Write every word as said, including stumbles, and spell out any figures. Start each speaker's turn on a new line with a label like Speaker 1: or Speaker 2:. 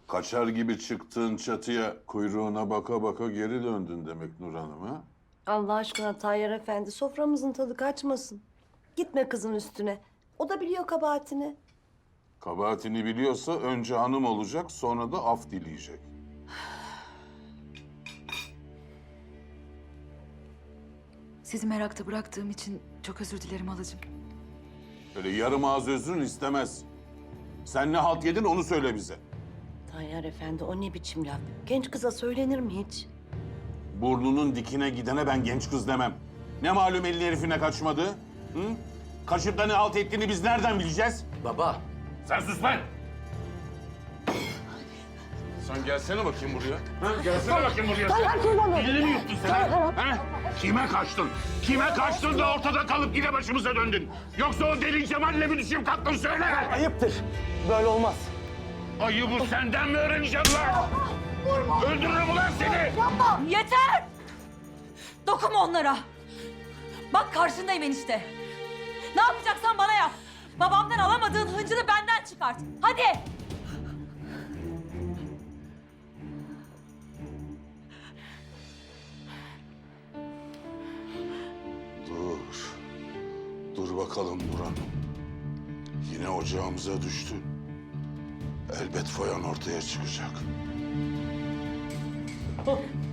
Speaker 1: Kaçar gibi çıktığın çatıya kuyruğuna baka baka geri döndün demek Nur Hanım ha?
Speaker 2: Allah aşkına Tayyar Efendi, soframızın tadı kaçmasın. Gitme kızın üstüne. O da biliyor kabahatini.
Speaker 1: Kabahatini biliyorsa önce hanım olacak, sonra da af dileyecek.
Speaker 3: Sizi merakta bıraktığım için çok özür dilerim halacığım.
Speaker 1: Öyle yarım ağız özrün istemez. Sen ne halt yedin onu söyle bize.
Speaker 2: Tayyar Efendi, o ne biçim laf? Genç kıza söylenir mi hiç?
Speaker 1: Burnunun dikine gidene ben genç kız demem. Ne malum elin herifine kaçmadı? Hı? Kaçıp da ne halt ettiğini biz nereden bileceğiz?
Speaker 4: Baba.
Speaker 1: Sen sus lan! Sen gelsene bakayım buraya. Ha? Gelsene bakayım buraya.
Speaker 2: Tayyar kurbanı!
Speaker 1: Dilini mi yuttun sen? Ha? Ha? Kime kaçtın? Kime kaçtın da ortada kalıp yine başımıza döndün? Yoksa o deli Cemal'le mi düşüp kalktın söyle!
Speaker 4: Ayıptır. Böyle olmaz.
Speaker 1: Ayıbı senden mi öğreneceğim lan? Öldürürüm ulan seni!
Speaker 3: Yeter! Dokunma onlara! Bak karşındayım enişte. Ne yapacaksan bana yap. Babamdan alamadığın hıncını benden çıkart. Hadi!
Speaker 1: Dur. Dur bakalım Nurhan. Yine ocağımıza düştü. Elbet foyan ortaya çıkacak.